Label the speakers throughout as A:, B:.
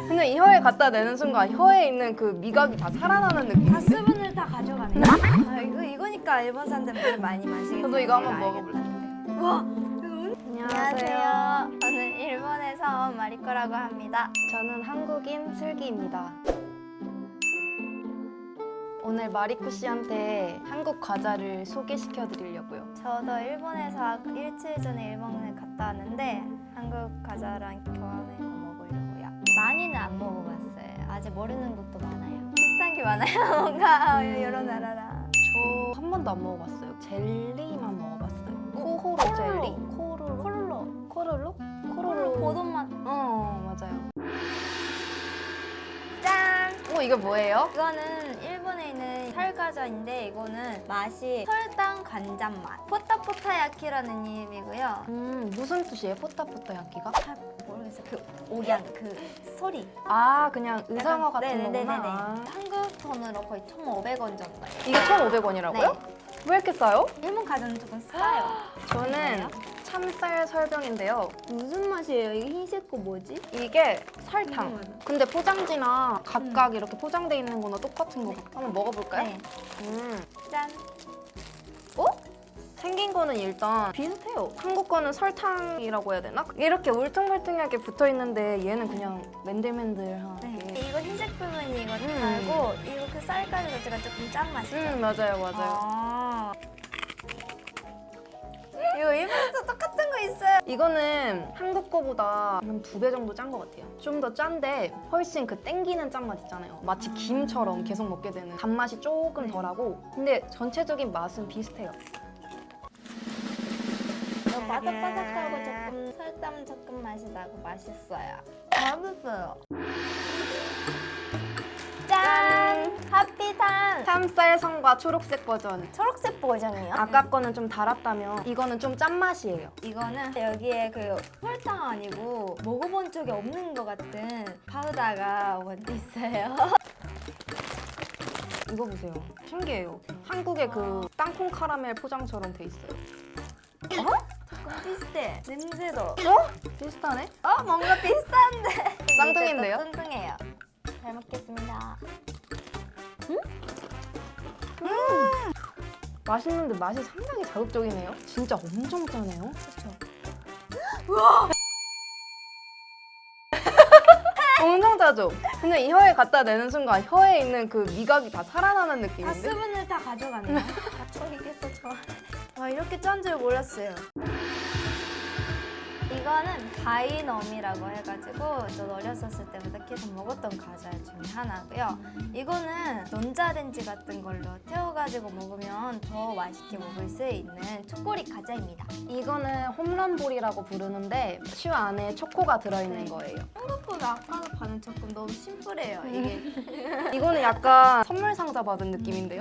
A: 근데 이 혀에 갖다 대는 순간 혀에 있는 그 미각이 다 살아나는
B: 다
A: 느낌인데?
B: 수분을 다 가져가네. 아, 이거니까 일본 사람들 물 많이 마시겠다.
A: 저도 이거 한번 먹어볼래.
B: 와.
A: 안녕하세요.
B: 저는 일본에서 온 마리코라고 합니다.
A: 저는 한국인 슬기입니다. 오늘 마리코 씨한테 한국 과자를 소개시켜 드리려고요.
B: 저도 일본에서 일주일 전에 일본에 갔다 왔는데 한국 과자랑 교환해서 먹으려고요. 많이는 안 먹어봤어요. 아직 모르는 것도 많아요. 비슷한 게 많아요. 뭔가 여러 나라랑.
A: 저 한 번도 안 먹어봤어요. 젤리만 먹어봤어요. 코호로 젤리? 코로로?
B: 코로로 보돈 맛.
A: 맞아요.
B: 짠!
A: 이게 뭐예요?
B: 이거는 일본에 있는 설과자인데 이거는 맛이 설탕 간장 맛. 포타포타야키라는 이름이고요.
A: 무슨 뜻이에요? 포타포타 야끼가?
B: 잘 모르겠어요. 그 오양 그 소리.
A: 아, 그냥 의상어 같은
B: 네네네네.
A: 거구나. 아.
B: 한국 돈으로 거의 1,500원 정도예요.
A: 이게 1,500원이라고요?
B: 네.
A: 왜 이렇게 싸요?
B: 일본 과자는 조금 싸요.
A: 저는 참쌀 설병인데요.
B: 무슨 맛이에요? 이게 흰색 거 뭐지?
A: 이게 설탕.
B: 궁금하다.
A: 근데 포장지나 각각 이렇게 포장돼 있는 거나 똑같은 거 같아요. 한번 먹어볼까요?
B: 네.
A: 음.
B: 짠.
A: 생긴 거는 일단 비슷해요. 한국 거는 설탕이라고 해야 되나? 이렇게 울퉁불퉁하게 붙어 있는데 얘는 그냥 맨들맨들하게.
B: 네. 이거 흰색 부분이 이거
A: 음.
B: 달고 이거 그 쌀가루 자체가 조금 짠 맛이죠.
A: 맞아요.
B: 아. 이거 일본에서 똑같은 거 있어요.
A: 이거는 한국 거보다 한 2배 정도 짠 것 같아요. 좀 더 짠데 훨씬 그 땡기는 짠맛 있잖아요. 마치 김처럼 계속 먹게 되는 단맛이 조금 덜하고 근데 전체적인 맛은 비슷해요.
B: 바삭바삭하고 조금 설탕 조금 맛이 나고 맛있어요. 맛있어요. 짠! 하피탄!
A: 참쌀 성과 초록색 버전.
B: 초록색 버전이요?
A: 아까 거는 좀 달았다면 이거는 좀 짠맛이에요.
B: 이거는 여기에 그 설탕 아니고 먹어본 적이 없는 것 같은 파우더가 먼저 있어요.
A: 이거 보세요. 신기해요. 한국의 그 땅콩 카라멜 포장처럼 돼 있어요.
B: 조금 비슷해. 냄새도.
A: 비슷하네?
B: 뭔가 비슷한데.
A: 쌍둥이인데요?
B: 뚱뚱해요. 잘 먹겠습니다.
A: 맛있는데 맛이 상당히 자극적이네요. 진짜 엄청 짜네요.
B: 그렇죠.
A: 엄청 짜죠? 근데 이 혀에 갖다 대는 순간 혀에 있는 그 미각이 다 살아나는
B: 다
A: 느낌인데?
B: 수분을 다 가져가네요. 이게 좋아. 와 이렇게 짠 줄 몰랐어요. 이거는 바이넘이라고 해가지고 저 어렸었을 때부터 계속 먹었던 과자 중에 하나고요. 이거는 전자레인지 같은 걸로 태워가지고 먹으면 더 맛있게 먹을 수 있는 초콜릿 과자입니다.
A: 이거는 홈런볼이라고 부르는데 슈 안에 초코가 들어있는
B: 네.
A: 거예요.
B: 생각보다 아까도 반은 조금 너무 심플해요. 이게
A: 이거는 약간 선물 상자 받은 느낌인데요?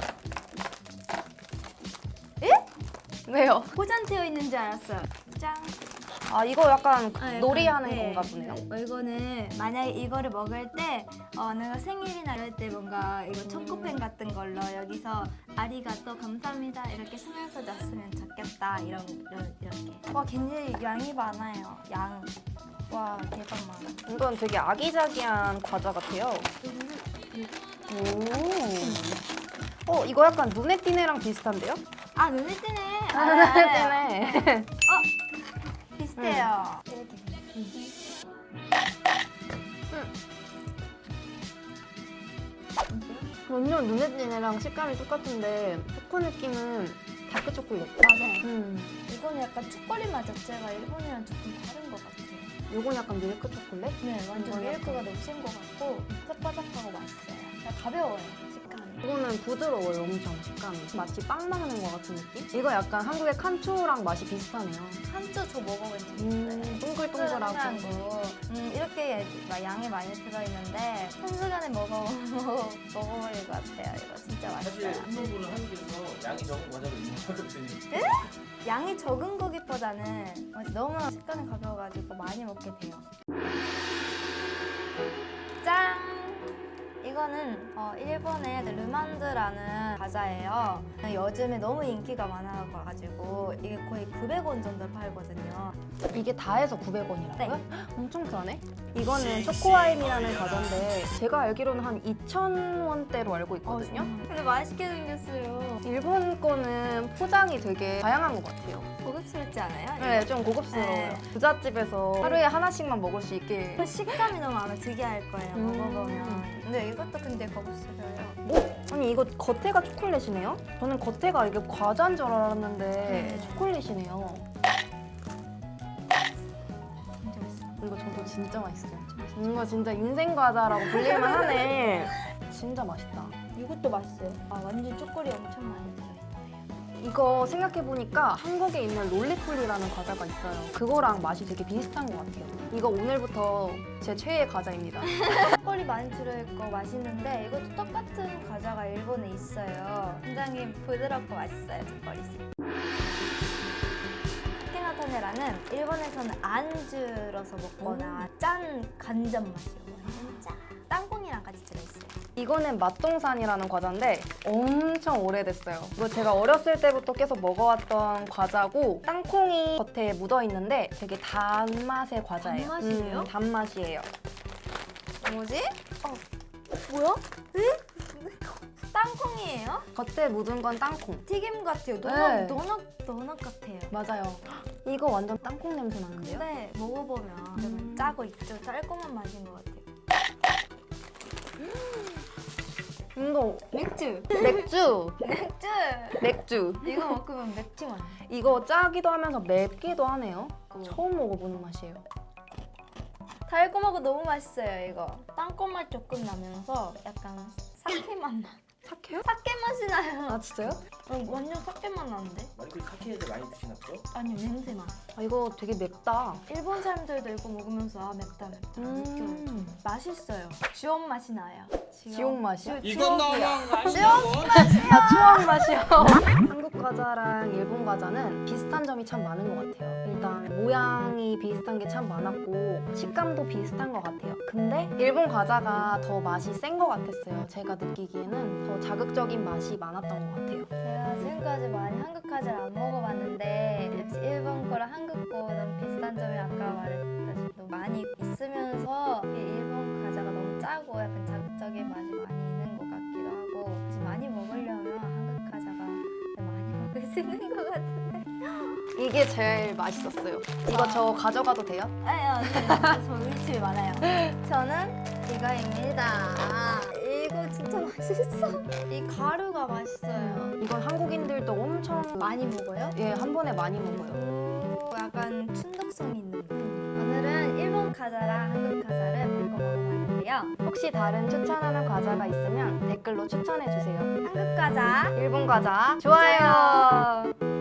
B: 에?
A: 왜요?
B: 포장되어 있는 줄 알았어요. 짠.
A: 아 이거 약간
B: 약간,
A: 놀이하는
B: 네.
A: 건가 보네요.
B: 이거는 만약에 이거를 먹을 때 내가 생일이나 이럴 때 뭔가 이거 초코펜 같은 걸로 여기서 아리가또 감사합니다 이렇게 쓰면서 줬으면 좋겠다 이렇게. 와 굉장히 양이 많아요. 양. 와 대박 많아.
A: 이건 되게 아기자기한 과자 같아요. 오. 이거 약간 눈에 띄네랑 비슷한데요?
B: 아 눈에 띄네.
A: 눈에 띄네.
B: 비슷해요.
A: 완전 눈에 띄네랑 식감이 똑같은데 초코 느낌은 다크 초콜릿.
B: 맞아요. 이거는 약간 초콜릿 맛 자체가 일본이랑 조금 다른 것 같아요.
A: 요건 약간 밀크 초콜릿?
B: 네, 완전
A: 이거는
B: 밀크가 너무 센 것 같고 바삭바삭하고 맛있어요. 그냥 가벼워요, 식감이.
A: 이거는 부드러워요, 엄청 식감이. 마치 빵 먹는 것 같은 느낌? 이거 약간 한국의 칸초랑 맛이 비슷하네요.
B: 한쪽 저 먹어본 적 있어요.
A: 동글동글하고.
B: 거. 이렇게 막 양이 많이 들어있는데 한순간에 먹어버릴 것 같아요. 이거 진짜
C: 사실
B: 맛있어요.
C: 홈런볼은 한국에서 양이 적은 과자로 유명하거든요.
B: 양이 적은 거기보다는 너무 식감이 가벼워가지고 많이 먹게 돼요. 짠! 이거 이거는 일본의 르만드라는 과자예요. 요즘에 너무 인기가 많아가지고 이게 거의 900원 정도 팔거든요.
A: 이게 다 해서 900원이라고요?
B: 네.
A: 엄청 싸네. 이거는 초코아임이라는 과자인데 제가 알기로는 한 2,000원대로 알고 있거든요.
B: 근데 맛있게 생겼어요.
A: 일본 거는 포장이 되게 다양한 것 같아요.
B: 고급스럽지 않아요?
A: 네, 좀 고급스러워요.
B: 네.
A: 부잣집에서 하루에 하나씩만 먹을 수 있게.
B: 그 식감이 너무 아마 특이할 거예요.
A: 음.
B: 먹어보면. 근데 이것도 근데 고급스러워요.
A: 뭐? 아니 이거 겉에가 초콜릿이네요? 저는 겉에가 이게 과자인 줄 알았는데 초콜릿이네요.
B: 진짜 맛있어.
A: 이거 저도 진짜 맛있어요. 이거 진짜 인생 과자라고 불릴만 하네. 진짜 맛있다.
B: 이것도 맛있어요. 완전 초콜릿 엄청 많이 들어있어요.
A: 이거 생각해보니까 한국에 있는 롤리폴리라는 과자가 있어요. 그거랑 맛이 되게 비슷한 것 같아요. 이거 오늘부터 제 최애 과자입니다.
B: 초콜릿 많이 들어있고 맛있는데 이것도 똑같은 과자가 일본에 있어요. 굉장히 부드럽고 맛있어요, 초콜릿이. 카케나타네라는 일본에서는 안주로서 먹거나 짠 간장 맛이에요. 완전 짠. 땅콩이랑 같이 들어있어요.
A: 이거는 맛동산이라는 과자인데 엄청 오래됐어요. 이거 제가 어렸을 때부터 계속 먹어왔던 과자고 땅콩이 겉에 묻어있는데 되게 단맛의 과자예요.
B: 단맛이에요?
A: 단맛이에요.
B: 뭐지? 뭐야? 에? 땅콩이에요?
A: 겉에 묻은 건 땅콩.
B: 튀김 같아요.
A: 네.
B: 도넛 같아요.
A: 맞아요. 이거 완전 땅콩 냄새 나는데요?
B: 근데 먹어보면 좀 짜고 있죠. 달콤한 맛인 것 같아요.
A: 이거
B: 맥주!
A: 맥주!
B: 맥주!
A: 맥주.
B: 이거 먹으면 맥주 맛.
A: 이거 짜기도 하면서 맵기도 하네요. 처음 먹어보는 맛이에요.
B: 달콤하고 너무 맛있어요, 이거. 땅콩 맛 조금 나면서 약간 사케 맛 나.
A: 착해요?
B: 사케 맛이 나요.
A: 아 진짜요?
B: 완전 사케 맛 나는데?
C: 마이클 사케를 많이 드시나 보죠?
B: 아니요, 냄새만.
A: 아 이거 되게 맵다.
B: 일본 사람들도 이거 먹으면서 맵다 느껴요. 맛있어요. 지옥 맛이 나요.
A: 지옥 맛이요?
C: 이건 너무한 거 아니에요?
A: 아 추억 맛이요. 한국 과자랑 일본 과자는 비슷한 점이 참 많은 것 같아요. 일단 모양이 비슷한 게 참 많았고 식감도 비슷한 것 같아요. 근데 일본 과자가 더 맛이 센 것 같았어요. 제가 느끼기에는 더 자극적인 맛이 많았던 것 같아요.
B: 제가 지금까지 많이 한국 과자를 안 먹어봤는데 역시 일본 거랑 한국 거 너무 비슷한 점이 아까 말했다시피 너무 많이 있으면서 이 일본 과자가 너무 짜고 약간 자극적인 맛이 많이 있는 것 같기도 하고 혹시 많이 먹으려면 한국 과자가 많이 먹을 수 있는 것 같은데
A: 이게 제일 맛있었어요. 이거 저 가져가도 돼요?
B: 아니요 저 우리 집에 많아요. 저는 이거입니다. 이거 진짜 맛있어. 이 가루가 맛있어요.
A: 이건 한국인들도 엄청
B: 많이 먹어요?
A: 예, 한 번에 많이 먹어요.
B: 약간 중독성이 있는 거. 오늘은 일본 과자랑 한국 과자를 바꿔 먹어봤는데요.
A: 혹시 다른 추천하는 과자가 있으면 댓글로 추천해 주세요.
B: 한국 과자
A: 일본 과자 좋아요.